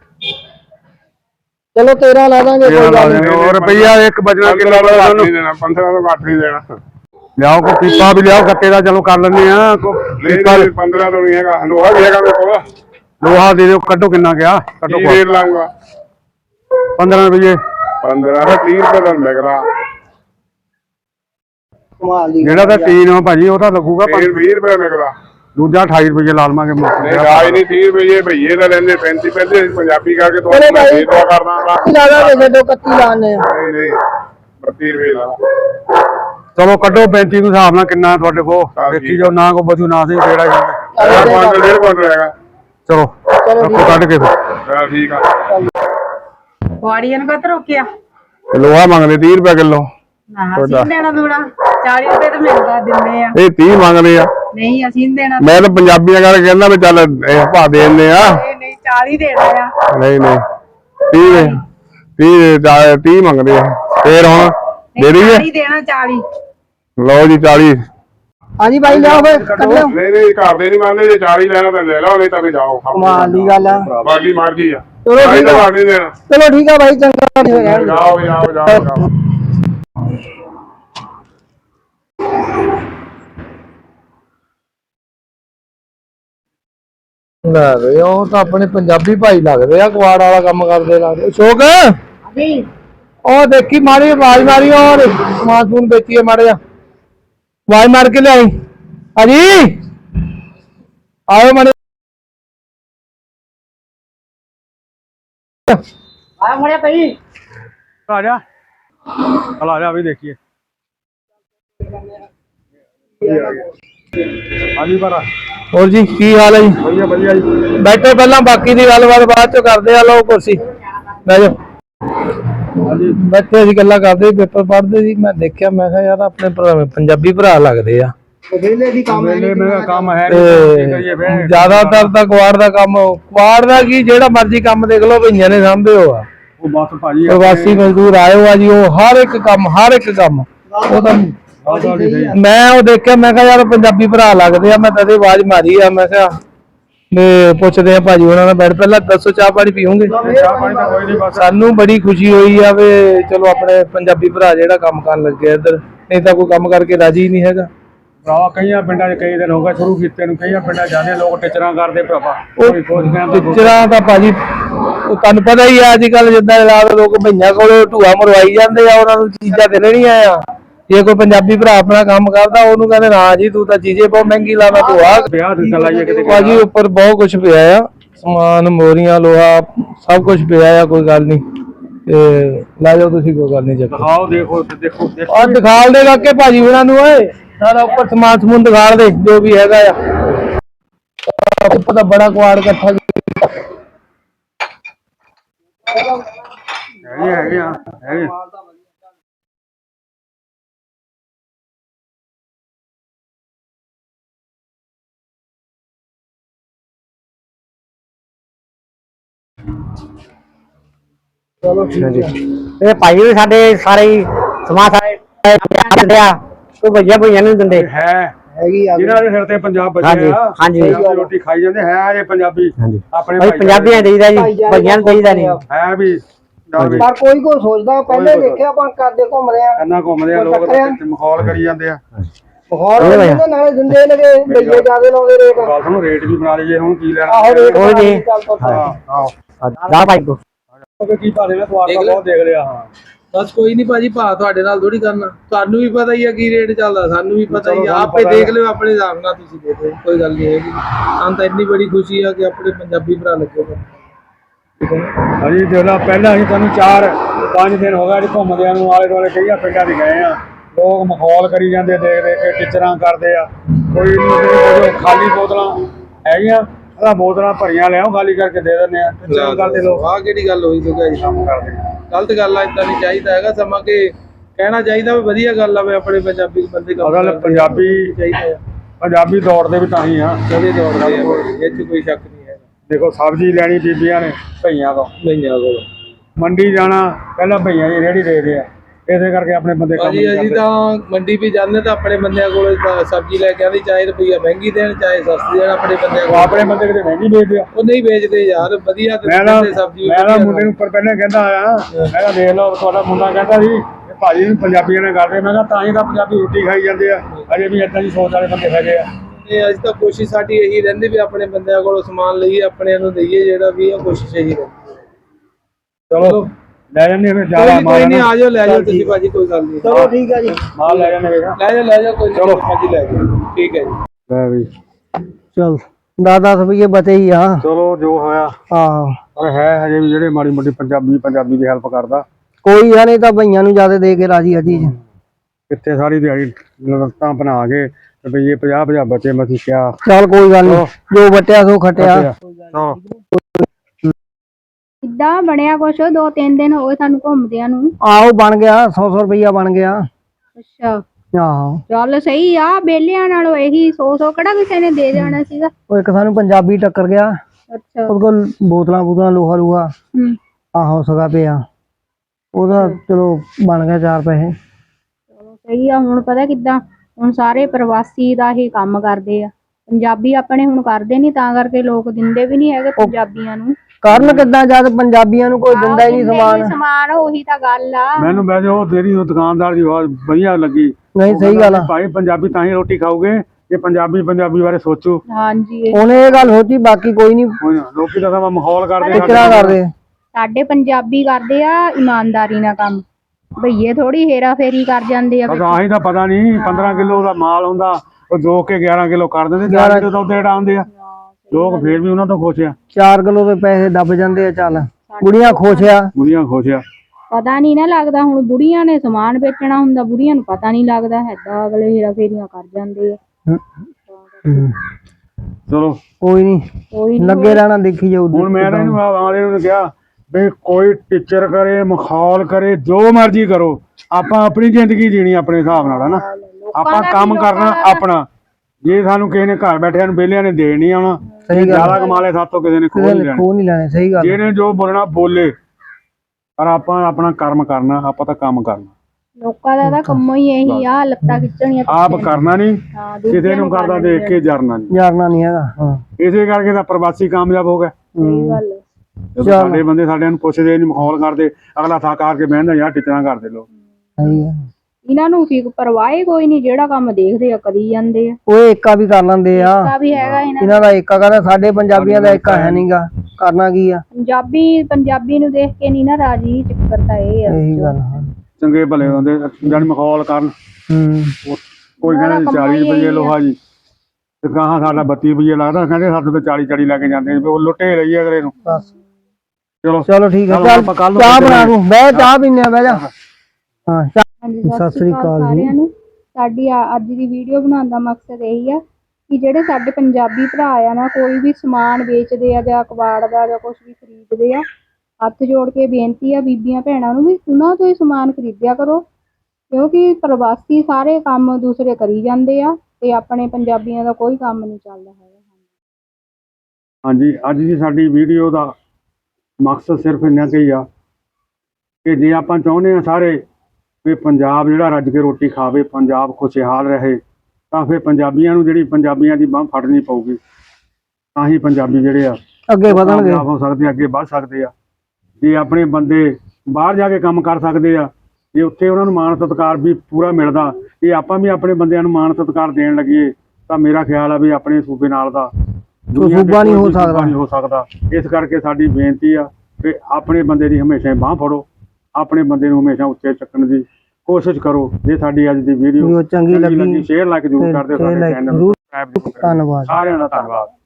Speaker 2: ਚਲੋ 13 ਲਾ ਦਾਂਗੇ ਕੋਈ ਗੱਲ ਨਹੀਂ।
Speaker 1: ਰੁਪਈਆ ਇੱਕ ਬਚਣਾ ਕਿਲੋ ਦਾ ਤੁਹਾਨੂੰ
Speaker 5: ਦੇਣਾ, 15 ਤੋਂ ਘੱਟ ਨਹੀਂ ਦੇਣਾ।
Speaker 1: ਲਿਆਓ ਕੋ ਪੀਪਾ ਵੀ ਲਿਆਓ, ਗੱਤੇ ਦਾ ਚਲੋ ਕਰ ਲੈਂਦੇ ਆ।
Speaker 5: 15 ਤੋਂ ਨਹੀਂ ਹੈਗਾ, ਲੋਹਾ ਵੀ ਹੈਗਾ ਮੇਰੇ ਕੋਲ।
Speaker 1: ਲੋਹਾ ਦੇ ਦਿਓ, ਕੱਢੋ ਕਿੰਨਾ ਗਿਆ, ਕੱਢੋ।
Speaker 5: ਕੀ ਰੇਟ ਲਾਉਂਗਾ?
Speaker 1: 15 ਰੁਪਏ।
Speaker 5: 15 ਦਾ 30 ਰੁਪਏ ਦਾ ਵਿਕਦਾ।
Speaker 2: ਕਮਾਲ ਦੀ
Speaker 1: ਜਿਹੜਾ ਤਾਂ ਟੀਨ ਆ ਭਾਜੀ, ਉਹ ਤਾਂ ਲੱਗੂਗਾ
Speaker 5: 20 ਰੁਪਏ ਵਿਕਦਾ।
Speaker 1: ਦੂਜਾ 28 ਰੁਪਏ ਲਾ ਲਵਾਂਗੇ
Speaker 5: ਨਹੀਂ ਰਾਜ ਨਹੀਂ 30 ਰੁਪਏ ਭਈਏ ਦਾ ਲੈਂਦੇ 35 ਪੈਂਦੇ ਪੰਜਾਬੀ ਕਰਕੇ
Speaker 2: ਚਲੋ ਭਾਈ
Speaker 5: ਫੇਰ ਦੁਆ ਕਰਦਾ
Speaker 2: ਲਾ ਦਾਂਗੇ ਛੱਡੋ 31 ਲਾਣੇ ਆ।
Speaker 5: ਨਹੀਂ ਨਹੀਂ 32 ਰੁਪਏ ਲਾ
Speaker 1: ਚਲੋ ਕੱਢੋ 35 ਦੇ ਹਿਸਾਬ ਨਾਲ ਕਿੰਨਾ ਤੁਹਾਡੇ ਕੋਲ ਦੇਖੀ ਜਾਓ ਨਾ ਕੋ ਬਚੂ ਨਾ ਸਹੀ ਕਿਹੜਾ ਜਾਂਦਾ
Speaker 5: ਕੁਆਂਟਲ 1.5 ਕੁਆਂਟਲ ਹੈਗਾ
Speaker 1: ਚਲੋ ਰੱਖੋ ਕੱਢ ਕੇ ਫਿਰ
Speaker 5: ਚਲ ਠੀਕ ਆ
Speaker 6: ਵਾੜੀਆਂ ਨੂੰ ਕਦ ਰੋਕਿਆ
Speaker 5: ਲੋਹਾ ਮੰਗਦੇ 30 ਰੁਪਏ ਕਿਲੋ
Speaker 6: ਨਾ ਅਸੀਂ ਨੀ ਦੇਣਾ ਦੂੜਾ 40 ਰੁਪਏ ਤੇ ਮਿਲਦਾ ਦਿੰਦੇ ਆ
Speaker 5: ਇਹ 30 ਮੰਗਦੇ ਆ
Speaker 6: ਨਹੀਂ ਅਸੀਂ ਨੀ ਦੇਣਾ
Speaker 5: ਮੈਂ ਤਾਂ ਪੰਜਾਬੀਆਂ ਕਰਕੇ ਕਹਿੰਦਾ ਵੀ ਚੱਲ ਇਹ ਭਾ ਦੇ ਦਿੰਦੇ ਆ
Speaker 6: ਨਹੀਂ 40 ਦੇਣਾ ਆ
Speaker 5: ਨਹੀਂ ਨਹੀਂ 30 ਮੰਗਦੇ ਆ ਫੇਰ ਹੁਣ ਦੇ ਦਈਏ
Speaker 6: 40 ਦੇਣਾ 40
Speaker 5: ਲਓ ਜੀ 40
Speaker 2: ਹਾਂਜੀ ਭਾਈ ਲਿਆਓ ਫੇ ਕੱਢ ਲਿਓ।
Speaker 5: ਨਹੀਂ ਨਹੀਂ ਘਰ ਦੇ ਨਹੀਂ ਮੰਨਦੇ ਜੇ 40 ਲੈਣਾ ਤਾਂ ਲੈ ਲਓ ਨਹੀਂ ਤਾਂ ਵੀ ਜਾਓ
Speaker 2: ਕਮਾਲ ਦੀ ਗੱਲ ਆ।
Speaker 5: ਬਾਕੀ ਮਰਜ਼ੀ ਆ
Speaker 2: ਚਲੋ ਠੀਕ ਆ।
Speaker 5: ਨਹੀਂ ਦੇਣਾ
Speaker 2: ਚਲੋ ਠੀਕ ਆ ਭਾਈ ਚੰਗਾ ਨਹੀਂ ਹੋਇਆ
Speaker 5: ਜਾਓ ਜਾਓ ਜਾਓ
Speaker 2: ਲੈ ਵੇ ਉਹ ਤਾਂ ਆਪਣੇ ਪੰਜਾਬੀ ਭਾਈ ਲੱਗਦੇ ਆ ਕੁਆੜ ਵਾਲਾ ਕੰਮ ਕਰਦੇ ਲੱਗਦੇ ਸ਼ੋਕ ਉਹ ਦੇਖੀ ਮਾਰੀ ਆਵਾਜ਼ ਮਾਰੀ ਔਰ ਸਮਾਨ ਸਮੂਨ ਵੇਚੀਏ ਮਾੜੇ ਜਾ ਆਵਾਜ਼ ਮਾਰ ਕੇ ਲਿਆਈ ਹਾਂਜੀ ਆਓ ਮਾੜੇ
Speaker 6: ਆ ਮੜਿਆ ਭਾਈ
Speaker 1: ਆ ਜਾ ਚਲ ਆ ਜਾ ਵੀ ਦੇਖੀਏ ਹਾਂਜੀ ਭਰਾ
Speaker 2: ਹੋਰ ਜੀ ਕੀ ਹਾਲ ਹੈ ਜੀ
Speaker 1: ਵਧੀਆ ਵਧੀਆ ਜੀ
Speaker 2: ਬੈਠੋ ਪਹਿਲਾਂ ਬਾਕੀ ਦੀ ਗੱਲਬਾਤ ਬਾਅਦ ਚੋਂ ਕਰਦੇ ਆ ਲਓ ਕੁਰਸੀ ਬਹਿ ਜਾਓ ਬੈਠੇ ਅਸੀਂ ਗੱਲਾਂ ਕਰਦੇ ਸੀ ਪੇਪਰ ਪੜ੍ਹਦੇ ਸੀ ਮੈਂ ਦੇਖਿਆ ਮੈਂ ਕਿਹਾ ਯਾਰ ਆਪਣੇ ਪੰਜਾਬੀ ਭਰਾ ਲੱਗਦੇ ਆ
Speaker 1: ਵੇਲੇ ਮੇਰਾ ਕੰਮ ਹੈ
Speaker 2: ਤੇ ਜ਼ਿਆਦਾਤਰ ਤਾਂ ਕੁਆੜ ਦਾ ਕੰਮ ਕੁਆੜ ਦਾ ਕੀ ਜਿਹੜਾ ਮਰਜ਼ੀ ਕੰਮ ਦੇਖ ਲਓ ਭਈਆਂ ਨੇ ਸਾਂਭੇ ਹੋ ਆ
Speaker 1: ਉਹ ਬਸ ਭਾਜੀ
Speaker 2: ਪ੍ਰਵਾਸੀ ਮਜ਼ਦੂਰ ਆਏ ਹੋ ਆ ਜੀ ਉਹ ਹਰ ਇੱਕ ਕੰਮ ਉਹ ਤਾਂ ਮੈਂ ਉਹ ਦੇਖਿਆ ਮੈਂ ਕਿਹਾ ਯਾਰ ਪੰਜਾਬੀ ਭਰਾ ਲੱਗਦੇ ਆ ਮੈਂ ਤਦੇ ਆਵਾਜ਼ ਮਾਰੀ ਆ ਮੈਂ ਕਿਹਾ ਮੈਂ ਪੁੱਛਦੇ ਆ ਭਾਜੀ ਉਹਨਾਂ ਨਾਲ ਬੈਠ ਪਹਿਲਾਂ ਦੱਸੋ ਚਾਹ ਪਾਣੀ ਪੀਓਗੇ
Speaker 1: ਚਾਹ ਪਾਣੀ ਤਾਂ ਕੋਈ ਨਹੀਂ ਬਸ
Speaker 2: ਸਾਨੂੰ ਬੜੀ ਖੁਸ਼ੀ ਹੋਈ ਆ ਵੀ ਚਲੋ ਆਪਣੇ ਪੰਜਾਬੀ ਭਰਾ ਜਿਹੜਾ ਕੰਮ ਕਰਨ ਲੱਗੇ ਇੱਧਰ ਨਹੀਂ ਤਾਂ ਕੋਈ ਕੰਮ ਕਰਕੇ ਰਾਜੀ ਨਹੀਂ ਹੈਗਾ
Speaker 1: ਭਰਾ ਕਈਆਂ ਪਿੰਡਾਂ 'ਚ ਕਈ ਦਿਨ ਹੋ ਗਏ ਸ਼ੁਰੂ ਕੀਤੇ ਨੂੰ ਕਈਆਂ ਪਿੰਡਾਂ ਜਾਂਦੇ ਲੋਕ ਟਿਚਰਾਂ ਕਰਦੇ ਭਰਾਵਾ ਕੋਈ ਪੁੱਛਦੇ
Speaker 2: ਟੀਚਰਾਂ ਤਾਂ ਭਾਜੀ ਉਹ ਤੁਹਾਨੂੰ ਪਤਾ ਹੀ ਆ ਅੱਜ ਕੱਲ ਜਿੱਦਾਂ ਰਾਤ ਲੋਕ ਭਈਆਂ ਕੋਲ ਢੂਆ ਮਰਵਾਈ ਜਾਂਦੇ ਆ ਉਹਨਾਂ ਨੂੰ ਚੀਜ਼ਾਂ ਦੇਣੀਆਂ ਆ ਜੇ ਕੋਈ ਪੰਜਾਬੀ ਭਰਾ ਆਪਣਾ ਕੰਮ ਕਰਦਾ ਉਹਨੂੰ ਕਹਿੰਦੇ ਨਾ ਜੀ ਤੂੰ ਤਾਂ ਚੀਜ਼ੇ ਬਹੁਤ ਮਹਿੰਗੀ ਲਾਦਾ ਤੂੰ ਆ
Speaker 1: ਵਿਆਹ ਦੀ ਗੱਲ ਆਈ ਕਿਤੇ
Speaker 2: ਭਾਜੀ ਉੱਪਰ ਬਹੁਤ ਕੁਝ ਪਿਆ ਆ ਸਮਾਨ ਮੋਰੀਆਂ ਲੋਹਾ ਸਭ ਕੁਝ ਪਿਆ ਆ ਕੋਈ ਗੱਲ ਨਹੀਂ ਤੇ ਲੈ ਜਾਓ ਤੁਸੀਂ ਕੋਈ ਗੱਲ ਨਹੀਂ ਚੱਕੋ
Speaker 1: ਦਿਖਾਓ ਦੇਖੋ ਦੇਖੋ
Speaker 2: ਔਰ ਦਿਖਾਲ ਦੇ ਕਾਕੇ ਭਾਜੀ ਉਹਨਾਂ ਨੂੰ ਓਏ ਸਾਰਾ ਉੱਪਰ ਸਮਾਨ ਸਮੂਨ ਦਿਖਾਲ ਦੇ ਜੋ ਵੀ ਹੈਗਾ ਆ ਉੱਪਰ ਤਾਂ ਬੜਾ ਕੁਆੜ ਇਕੱਠਾ
Speaker 1: ਹੈਗੇ ਆ ਹੈਗੇ
Speaker 7: ਇਹ ਭਾਈ ਵੀ ਸਾਡੇ ਸਾਰੇ ਸਮਾਜ ਸਾਰੇ ਦਿੰਦੇ ਆ ਕੋਈ ਭਈਆ ਭਈਆ ਨਹੀਂ ਦਿੰਦੇ
Speaker 1: ਹੈ
Speaker 2: ਹੈਗੀ ਆ
Speaker 1: ਜਿਹਨਾਂ ਦੇ ਸਿਰ ਤੇ ਪੰਜਾਬ ਬਚੇ
Speaker 7: ਹਾਂਜੀ,
Speaker 1: ਆ
Speaker 7: ਹਾਂਜੀ।
Speaker 1: ਪੰਜਾਬੀ ਰੋਟੀ ਖਾਈ ਜਾਂਦੇ ਹੈ ਇਹ ਪੰਜਾਬੀ ਆਪਣੇ
Speaker 7: ਭਾਈ ਪੰਜਾਬੀਆਂ ਦੇਈਦਾ ਜੀ ਭਈਆਂ ਨੂੰ ਦੇਈਦਾ ਨਹੀਂ
Speaker 1: ਹੈ ਵੀ
Speaker 2: ਪਰ ਕੋਈ ਸੋਚਦਾ ਪਹਿਲੇ ਦੇਖਿਆ ਆਪਾਂ ਕਰਦੇ ਘੁੰਮਦੇ ਆ
Speaker 1: ਇੰਨਾ ਘੁੰਮਦੇ ਆ ਲੋਕ ਤੇ ਮਾਹੌਲ ਕਰੀ ਜਾਂਦੇ ਆ
Speaker 2: ਹੋਰ ਇਹਦੇ ਨਾਲੇ ਦਿੰਦੇ ਲਗੇ ਭਈਏ ਜਿਆਦੇ ਲਾਉਂਦੇ ਰੇਟ
Speaker 1: ਗੱਲ ਤੁਹਾਨੂੰ ਰੇਟ ਵੀ ਬਣਾ ਲਈਏ ਹੁਣ ਕੀ ਲੈਣਾ
Speaker 2: ਆਹੋ ਰੇਟ
Speaker 7: ਹੋਰ ਜੀ।
Speaker 1: ਆਹੋ
Speaker 7: ਜਾ ਭਾਈ ਕੋ
Speaker 1: ਕੀ ਭਾਰੇ ਨੇ ਤੁਹਾਡਾ ਬਹੁਤ ਦੇਖ ਲਿਆ ਹਾਂ
Speaker 2: ਬਸ ਕੋਈ ਨਹੀਂ ਭਾਜੀ ਭਾ ਤੁਹਾਡੇ ਨਾਲ ਥੋੜੀ ਕਰਨਾ ਤੁਹਾਨੂੰ ਵੀ ਪਤਾ ਹੀ ਆ ਕੀ ਰੇਟ ਚੱਲਦਾ ਸਾਨੂੰ ਵੀ ਪਤਾ ਹੀ ਆ ਆਪੇ ਦੇਖ ਲਿਓ ਆਪਣੇ ਹਿਸਾਬ ਨਾਲ ਤੁਸੀਂ ਦੇਖ ਲਿਓ ਕੋਈ ਗੱਲ ਨਹੀਂ ਹੈਗੀ ਸਾਨੂੰ ਤਾਂ ਇੰਨੀ ਬੜੀ ਖੁਸ਼ੀ ਆ ਕਿ ਆਪਣੇ ਪੰਜਾਬੀ ਭਰਾ ਲੱਗੇ ਹੋਏ
Speaker 1: ਅਜੀ ਜਿਹੜਾ ਪਹਿਲਾਂ ਅਸੀਂ ਤੁਹਾਨੂੰ 4-5 ਦਿਨ ਹੋ ਗਏ ਅੱਜ ਘੁੰਮਦਿਆਂ ਨੂੰ ਆਲੇ ਦੁਆਲੇ ਕਈਆਂ ਪਿੰਡਾਂ 'ਚ ਗਏ ਆ ਲੋਕ ਮਾਹੌਲ ਕਰੀ ਜਾਂਦੇ ਦੇਖ ਦੇਖ ਕੇ ਟੀਚਰਾਂ ਕਰਦੇ ਆ ਕੋਈ ਨਹੀਂ ਖਾਲੀ ਬੋਤਲਾਂ ਹੈਗੀਆਂ ਉਹਦਾ ਬੋਤਲਾਂ ਭਰੀਆਂ ਲਿਆਓ ਖਾਲੀ ਕਰਕੇ ਦੇ ਦਿੰਦੇ ਆ ਟੀਚਰਾਂ ਕਰਦੇ ਲੋਕ
Speaker 2: ਆਹ ਕਿਹੜੀ ਗੱਲ ਹੋਈ ਤੁਸੀਂ ਜੀ
Speaker 1: ਕੰਮ ਕਰਦੇ ਆ
Speaker 2: ਗਲਤ ਗੱਲ ਆ ਇਦਾਂ ਨਹੀਂ ਚਾਹੀਦਾ ਹੈਗਾ ਸਮਾਂ ਕਿ ਕਹਿਣਾ ਚਾਹੀਦਾ ਵੀ ਵਧੀਆ ਗੱਲ ਆ ਵੀ ਆਪਣੇ ਪੰਜਾਬੀ ਬੰਦੇ ਕੰਮ
Speaker 1: ਅਸਲ ਪੰਜਾਬੀ
Speaker 2: ਚਾਹੀਦਾ ਆ
Speaker 1: ਪੰਜਾਬੀ ਦੌੜਦੇ ਵੀ ਤਾਂ ਹੀ ਆ
Speaker 2: ਕਦੇ ਦੌੜਦੇ ਆ ਇਹ 'ਚ ਕੋਈ ਸ਼ੱਕ ਨਹੀਂ ਹੈ
Speaker 1: ਦੇਖੋ ਸਬਜ਼ੀ ਲੈਣੀ ਬੀਬੀਆਂ ਨੇ ਭਈਆਂ ਤੋਂ
Speaker 2: ਮਹੀਨਿਆਂ ਕੋਲ
Speaker 1: ਮੰਡੀ ਜਾਣਾ ਪਹਿਲਾਂ ਭਈਆਂ ਦੀ ਰੇਹੜੀ ਦੇਖਦੇ ਆ ਇਸੇ ਕਰਕੇ ਆਪਣੇ ਬੰਦੇ ਕੰਮ
Speaker 2: ਭਾਜੀ
Speaker 1: ਨਹੀਂ
Speaker 2: ਅਸੀਂ
Speaker 1: ਕਰਦੇ
Speaker 2: ਤਾਂ ਮੰਡੀ ਵੀ ਜਾਂਦੇ ਤਾਂ ਆਪਣੇ ਬੰਦਿਆਂ ਕੋਲ ਸਬਜ਼ੀ ਲੈ ਕੇ ਆਉਂਦੇ ਚਾਹੇ ਰੁਪਈਆ ਮਹਿੰਗੀ ਦੇਣ ਚਾਹੇ ਸਸਤੀ ਦੇਣ ਆਪਣੇ ਬੰਦਿਆਂ
Speaker 1: ਉਹ
Speaker 2: ਕੋਲ
Speaker 1: ਆਪਣੇ ਬੰਦੇ ਕਿਤੇ ਮਹਿੰਗੀ ਵੇਚਦੇ ਆ
Speaker 2: ਉਹ ਨਹੀਂ ਵੇਚਦੇ ਯਾਰ ਵਧੀਆ
Speaker 1: ਮੈਂ ਨਾ
Speaker 2: ਸਬਜ਼ੀ
Speaker 1: ਮੈਂ ਨਾ ਮੁੰਡੇ ਨੂੰ ਉੱਪਰ ਪਹਿਲਾਂ ਕਹਿੰਦਾ ਆਇਆ ਮੈਂ ਕਿਹਾ ਦੇਖ ਲਓ ਤੁਹਾਡਾ ਮੁੰਡਾ ਕਹਿੰਦਾ ਸੀ ਇਹ ਭਾਜੀ ਨੂੰ ਪੰਜਾਬੀਆਂ ਨੇ ਕਰਦੇ ਮੈਂ ਕਿਹਾ ਤਾਂ ਹੀ ਤਾਂ ਪੰਜਾਬੀ ਰੋਟੀ ਖਾਈ ਜਾਂਦੇ ਆ ਅਜੇ ਵੀ ਏਦਾਂ ਦੀ ਸੋਚ ਵਾਲੇ ਬੰਦੇ ਹੈਗੇ ਆ
Speaker 2: ਤੇ ਅੱਜ ਤਾਂ ਕੋਸ਼ਿਸ਼ ਸਾਡੀ ਇਹੀ ਰਹਿੰਦੀ ਵੀ ਆਪਣੇ ਬੰਦਿਆਂ ਕੋਲੋਂ ਸਮਾਨ ਲਈਏ ਆਪਣੇ ਨੂੰ ਦਈਏ ਜਿਹੜਾ ਵੀ ਆ ਕੋਸ਼ਿਸ਼ ਇਹੀ ਰਹਿੰਦੀ
Speaker 1: ਚਲੋ ਲੈ ਜਾਂਦੇ ਫਿਰ ਜ਼ਿਆਦਾ
Speaker 2: ਕੋਈ ਨਹੀਂ ਆ ਜਾਓ ਲੈ ਜਾਓ ਤੁਸੀਂ ਭਾਜੀ ਕੋਈ ਗੱਲ ਨਹੀਂ
Speaker 1: ਚਲੋ ਠੀਕ ਆ ਜੀ ਮਾਲ ਲੈ ਜਾਂਦੇ ਵੇਖਾ
Speaker 2: ਲੈ ਜਾਓ ਕੋਈ ਚਲੋ ਭਾਜੀ ਲੈ ਜਾਓ ਠੀਕ ਹੈ ਜੀ
Speaker 1: ਲੈ ਵੀ
Speaker 2: ਚਲ 10-10 ਰੁਪਏ ਬਚੇ ਹੀ ਆ।
Speaker 1: ਚਲੋ ਜੋ ਹੋਇਆ
Speaker 2: ਆਹੋ
Speaker 1: ਪਰ ਹੈ ਹਜੇ ਵੀ ਜਿਹੜੇ ਮਾੜੀ ਮੋਟੀ ਪੰਜਾਬੀ ਦੀ ਹੈਲਪ ਕਰਦਾ।
Speaker 2: ਕੋਈ ਆ, ਨਹੀਂ ਤਾਂ ਭਈਆਂ ਨੂੰ ਜ਼ਿਆਦਾ ਦੇ ਕੇ ਰਾਜੀ ਆ ਚੀਜ਼।
Speaker 1: ਕਿੱਥੇ ਸਾਰੀ ਦਿਹਾੜੀ ਲੱਤਾਂ ਬਣਾ ਕੇ ਰੁਪਈਏ 50 ਬਚੇ ਮਸੀਂ ਕਿਆ।
Speaker 2: ਚੱਲ ਕੋਈ ਗੱਲ ਨਹੀਂ, ਜੋ ਬਟਿਆ ਸੋ ਖਟਿਆ।
Speaker 1: ਚਲੋ
Speaker 3: ਕਿੱਦਾਂ ਬਣਿਆ ਕੁਛ? 2-3 ਦਿਨ ਹੋ ਗਏ ਸਾਨੂੰ ਘੁੰਮਦਿਆਂ ਨੂੰ।
Speaker 2: ਆਹੋ ਬਣ ਗਿਆ 100 ਰੁਪਈਆ ਬਣ ਗਿਆ।
Speaker 3: ਅੱਛਾ
Speaker 2: ਆਹੋ
Speaker 3: ਚੱਲ ਸਹੀ ਆ, ਬੇਲਿਆਂ ਨਾਲੋਂ ਇਹੀ 100 ਕਿਹੜਾ ਕਿਸੇ ਨੇ ਦੇ ਦੇਣਾ ਸੀਗਾ।
Speaker 2: ਉਹ ਇੱਕ ਸਾਨੂੰ ਪੰਜਾਬੀ ਟੱਕਰ ਗਿਆ,
Speaker 3: ਅੱਛਾ
Speaker 2: ਉਹਦੇ ਕੋਲ ਬੋਤਲਾਂ ਲੋਹਾ ਲੂਹਾ
Speaker 3: ਹੂੰ
Speaker 2: ਆਹੋ ਸਗਾ ਪਿਆ, ਉਹਦਾ ਚਲੋ ਬਣ ਗਿਆ 4 ਪੈਸੇ।
Speaker 3: ਚਲੋ ਸਹੀ ਆ। ਹੁਣ ਪਤਾ ਕਿੱਦਾਂ, ਹੁਣ ਸਾਰੇ ਪ੍ਰਵਾਸੀ ਦਾ ਹੀ ਕੰਮ ਕਰਦੇ ਆ, ਪੰਜਾਬੀ ਆਪਣੇ ਹੁਣ ਕਰਦੇ ਨਹੀਂ, ਤਾਂ ਕਰਕੇ ਲੋਕ ਦਿੰਦੇ ਵੀ ਨਹੀਂ ਹੈਗੇ ਪੰਜਾਬੀਆਂ ਨੂੰ।
Speaker 2: ਕਰਨ ਕਿੱਦਾਂ ਜਦ ਪੰਜਾਬੀਆਂ ਨੂੰ ਕੋਈ ਦਿੰਦਾ ਹੀ ਨਹੀਂ ਸਮਾਨ।
Speaker 3: ਸਮਾਨ ਉਹੀ ਤਾਂ ਗੱਲ ਆ।
Speaker 1: ਮੈਨੂੰ ਵੈਸੇ ਉਹ ਤੇਰੀ ਉਹ ਦੁਕਾਨਦਾਰ ਦੀ ਆਵਾਜ਼ ਵਧੀਆ ਲੱਗੀ।
Speaker 2: ਨਹੀਂ ਸਹੀ ਗੱਲ ਆ।
Speaker 1: ਭਾਈ ਪੰਜਾਬੀ ਤਾਂ ਹੀ ਰੋਟੀ ਖਾਓਗੇ ਜੇ ਪੰਜਾਬੀ ਬਾਰੇ ਸੋਚੋ।
Speaker 3: ਹਾਂਜੀ
Speaker 2: ਉਹਨੇ ਇਹ ਗੱਲ ਸੋਚੀ, ਬਾਕੀ ਕੋਈ ਨਹੀਂ
Speaker 1: ਲੋਕੀ ਤਾਂ ਸਮਾਂ ਮਾਹੌਲ ਕਰਦੇ
Speaker 2: ਕਿਹੜਾ ਕਰਦੇ।
Speaker 3: ਸਾਡੇ ਪੰਜਾਬੀ ਕਰਦੇ ਆ ਇਮਾਨਦਾਰੀ ਨਾਲ ਕੰਮ, ਭਈਏ ਥੋੜੀ ਹੇਰਾ ਫੇਰੀ ਕਰ ਜਾਂਦੇ ਆ।
Speaker 1: ਬਸ ਆਹੀ ਤਾਂ ਪਤਾ ਨਹੀਂ 15 ਕਿਲੋ ਦਾ ਮਾਲ ਹੁੰਦਾ, ਉਹ ਜੋ ਕੇ 11 ਕਿਲੋ ਕਰ ਦਿੰਦੇ, 11 ਕਿਲੋ ਤਾਂ ਉੱਤੇ ਆਉਂਦੇ ਆ ਲੋਕ, ਫੇਰ ਵੀ ਉਹਨਾਂ ਤੋਂ ਖੁਸ਼ ਆ।
Speaker 2: 4 ਕਿਲੋ ਦੇ ਪੈਸੇ ਦੱਬ ਜਾਂਦੇ ਆ। ਚੱਲ ਬੁੜੀਆਂ ਖੁਸ਼ ਆ।
Speaker 1: ਬੁੜੀਆਂ ਖੁਸ਼ ਆ।
Speaker 3: ਪਤਾ ਨਹੀਂ ਨਾ ਲੱਗਦਾ, ਹੁਣ ਬੁੜੀਆਂ ਨੇ ਸਮਾਨ ਵੇਚਣਾ ਹੁੰਦਾ, ਬੁੜੀਆਂ ਨੂੰ ਪਤਾ ਨਹੀਂ ਲੱਗਦਾ ਹੈਗਾ, ਅਗਲੇ ਹੇਰਾ ਫੇਰੀਆਂ ਕਰ ਜਾਂਦੇ ਆ।
Speaker 1: ਚਲੋ
Speaker 2: ਕੋਈ ਨਹੀਂ,
Speaker 3: ਕੋਈ ਨੀ,
Speaker 2: ਲੱਗੇ ਰਹਿਣਾ, ਦੇਖੀ ਜਾਊ।
Speaker 1: ਹੁਣ ਮੈਂ ਤਾਂ ਇਹਨੂੰ ਆਲੇ ਨੂੰ ਕਿਹਾ ਵੀ ਕੋਈ ਟੀਚਰ ਕਰੇ, ਮਖੌਲ ਕਰੇ, ਜੋ ਮਰਜ਼ੀ ਕਰੋ, ਆਪਾਂ ਆਪਣੀ ਜ਼ਿੰਦਗੀ ਜੀਣੀ ਆਪਣੇ ਹਿਸਾਬ ਨਾਲ, ਹਨਾ। ਆਪਾਂ ਕੰਮ ਕਰਨਾ ਆਪਣਾ। ਜੇ ਸਾਨੂੰ ਕਿਸੇ ਨੇ ਘਰ ਬੈਠਿਆਂ ਨੂੰ ਵਿਹਲਿਆਂ ਨੇ ਦੇ ਨਹੀਂ ਆਉਣਾ, ਜ਼ਿਆਦਾ ਕਮਾ ਲਏ ਸਾਤੋਂ ਕਿਸੇ ਨੇ ਖੋਹ ਨਹੀਂ
Speaker 2: ਲੈਣੇ। ਸਹੀ ਗੱਲ।
Speaker 1: ਜਿਹਨੇ ਜੋ ਬੋਲਣਾ ਬੋਲੇ, ਪਰ ਆਪਾਂ ਆਪਣਾ ਕਰਮ ਕਰਨਾ, ਆਪਾਂ ਤਾਂ ਕੰਮ ਕਰਨਾ।
Speaker 3: ਲੋਕਾਂ ਦਾ ਤਾਂ ਕੰਮ ਹੀ ਇਹੀ ਆ, ਲੱਤਾਂ ਖਿੱਚਣੀਆਂ।
Speaker 1: ਆਪ ਕਰਨਾ ਨਹੀਂ, ਕਿਸੇ ਨੂੰ ਕਰਦਾ ਦੇਖ ਕੇ ਜਰਨਾ ਨਹੀਂ।
Speaker 2: ਯਾਰਨਾ ਨਹੀਂ ਹੈਗਾ। ਹਾਂ
Speaker 1: ਇਸੇ ਕਰਕੇ ਤਾਂ ਪ੍ਰਵਾਸੀ ਕਾਮਯਾਬ ਹੋ ਗਿਆ।
Speaker 3: ਸਹੀ ਗੱਲ ਆ।
Speaker 1: ਜਦੋਂ ਸਾਡੇ ਬੰਦੇ ਸਾਡਿਆਂ ਨੂੰ ਪੁੱਛਦੇ ਨਹੀਂ, ਮਖੌਲ ਕਰਦੇ, ਅਗਲਾ ਥੱਕ ਹਾਰ ਕੇ ਬਹਿੰਦਾ, ਯਾਰ ਟਿਚਰਾਂ ਕਰਦੇ ਲੋਕ।
Speaker 2: ਸਹੀ ਹੈ।
Speaker 3: ਇਹਨਾਂ ਨੂੰ ਫਿਕ ਪਰਵਾਹ ਕੋਈ ਨਹੀਂ, ਜਿਹੜਾ ਕੰਮ ਦੇਖਦੇ ਆ ਕਰੀ ਜਾਂਦੇ ਆ।
Speaker 2: ਉਹ ਏਕਾ ਵੀ ਕਰ ਲੈਂਦੇ ਆ।
Speaker 3: ਏਕਾ ਵੀ ਹੈਗਾ
Speaker 2: ਇਹਨਾਂ ਦਾ ਏਕਾ ਕਹਿੰਦਾ, ਸਾਡੇ ਪੰਜਾਬੀਆਂ ਦਾ ਏਕਾ ਹੈ ਨਹੀਂਗਾ। ਕਰਨਾ ਕੀ ਆ।
Speaker 3: ਪੰਜਾਬੀ ਨੂੰ ਦੇਖ ਕੇ ਨਹੀਂ ਨਾ ਰਾਜੀ, ਚੱਕਰ ਤਾਂ ਇਹ ਆ।
Speaker 2: ਇਹੀ ਗੱਲ।
Speaker 1: ਚੰਗੇ ਭਲੇ ਹੁੰਦੇ ਜਾਨੀ ਮਖੌਲ ਕਰਨ। ਕੋਈ ਕਹਿੰਦਾ 40 ਰੁਪਏ ਲੋਹਾ ਜੀ, ਤੇ ਗਾਹਾਂ ਸਾਡਾ 32 ਰੁਪਏ ਲੱਗਦਾ, ਕਹਿੰਦੇ ਸਾਡੇ ਤੋਂ 40 ਲੈ ਕੇ ਜਾਂਦੇ, ਉਹ ਲੁੱਟੇ ਲਈਏ ਅਗਲੇ ਨੂੰ।
Speaker 2: ਚਲੋ ਠੀਕ ਹੈ। ਚੱਲ ਚਾਹ ਬਣਾ ਦੂੰ, ਬਹਿ ਚਾਹ ਪੀਨੇ ਆ, ਬਹਿ ਜਾ। ਹਾਂ
Speaker 3: ਸਤਿ ਸ੍ਰੀ ਅਕਾਲ ਸਾਰਿਆਂ ਨੂੰ। ਸਾਡੀ ਅੱਜ ਦੀ ਵੀਡੀਓ ਬਣਾਉਣ ਦਾ ਮਕਸਦ ਇਹੀ ਆ ਕਿ ਜਿਹੜੇ ਸਾਡੇ ਪੰਜਾਬੀ ਭਰਾ ਆ ਨਾ, ਕੋਈ ਵੀ ਸਮਾਨ ਵੇਚਦੇ ਆ ਜਾਂ ਕਬਾੜ ਦਾ ਜਾਂ ਕੁਝ ਵੀ ਖਰੀਦਦੇ ਆ, ਹੱਥ ਜੋੜ ਕੇ ਬੇਨਤੀ ਆ ਬੀਬੀਆਂ ਭੈਣਾਂ ਨੂੰ ਵੀ ਉਹਨਾਂ ਤੋਂ ਹੀ ਸਮਾਨ ਖਰੀਦਿਆ ਕਰੋ, ਕਿਉਂਕਿ ਪ੍ਰਵਾਸੀ ਸਾਰੇ ਕੰਮ ਦੂਸਰੇ ਕਰੀ ਜਾਂਦੇ ਆ ਤੇ ਆਪਣੇ ਪੰਜਾਬੀਆਂ ਦਾ ਕੋਈ ਕੰਮ ਨਹੀਂ ਚੱਲਦਾ ਹੈਗਾ।
Speaker 1: ਹਾਂਜੀ, ਅੱਜ ਦੀ ਸਾਡੀ ਵੀਡੀਓ ਦਾ ਮਕਸਦ ਸਿਰਫ ਇੰਨਾ ਕੁ ਹੀ ਆ ਕਿ ਜੇ ਆਪਾਂ ਚਾਹੁੰਦੇ ਆ ਸਾਰੇ ਵੀ ਪੰਜਾਬ ਜਿਹੜਾ ਰੱਜ ਕੇ ਰੋਟੀ ਖਾਵੇ, ਪੰਜਾਬ ਖੁਸ਼ਹਾਲ ਰਹੇ, ਤਾਂ ਫਿਰ ਪੰਜਾਬੀਆਂ ਨੂੰ ਜਿਹੜੀ ਪੰਜਾਬੀਆਂ ਦੀ ਬਾਂਹ ਫੜਨੀ ਪਊਗੀ, ਤਾਂ ਹੀ ਪੰਜਾਬੀ ਜਿਹੜੇ ਆ
Speaker 2: ਅੱਗੇ ਵਧਣਗੇ,
Speaker 1: ਹੋ ਸਕਦੇ, ਅੱਗੇ ਵੱਧ ਸਕਦੇ ਆ। ਜੇ ਆਪਣੇ ਬੰਦੇ ਬਾਹਰ ਜਾ ਕੇ ਕੰਮ ਕਰ ਸਕਦੇ ਆ, ਜੇ ਉੱਥੇ ਉਹਨਾਂ ਨੂੰ ਮਾਣ ਸਤਿਕਾਰ ਵੀ ਪੂਰਾ ਮਿਲਦਾ, ਇਹ ਆਪਾਂ ਵੀ ਆਪਣੇ ਬੰਦਿਆਂ ਨੂੰ ਮਾਣ ਸਤਿਕਾਰ ਦੇਣ ਲੱਗੀਏ, ਤਾਂ ਮੇਰਾ ਖਿਆਲ ਆ ਵੀ ਆਪਣੇ ਸੂਬੇ ਨਾਲ ਦਾ
Speaker 2: ਸੂਬਾ ਨਹੀਂ
Speaker 1: ਹੋ ਸਕਦਾ। ਇਸ ਕਰਕੇ ਸਾਡੀ ਬੇਨਤੀ ਆ ਕਿ ਆਪਣੇ ਬੰਦੇ ਦੀ ਹਮੇਸ਼ਾ ਬਾਂਹ ਫੜੋ, ਆਪਣੇ ਬੰਦੇ ਨੂੰ ਹਮੇਸ਼ਾ ਉੱਚੇ ਚੱਕਣ ਦੀ ਕੋਸ਼ਿਸ਼ ਕਰੋ। ਜੇ ਸਾਡੀ ਅੱਜ ਦੀ ਵੀਡੀਓ
Speaker 2: ਚੰਗੀ ਲੱਗੀ,
Speaker 1: ਸ਼ੇਅਰ ਲਾਈਕ ਜ਼ਰੂਰ ਕਰ ਦਿਓ, ਸਾਡੇ ਚੈਨਲ ਨੂੰ ਸਬਸਕ੍ਰਾਈਬ ਜ਼ਰੂਰ ਕਰੋ।
Speaker 2: ਧੰਨਵਾਦ
Speaker 1: ਸਾਰਿਆਂ ਦਾ ਧੰਨਵਾਦ।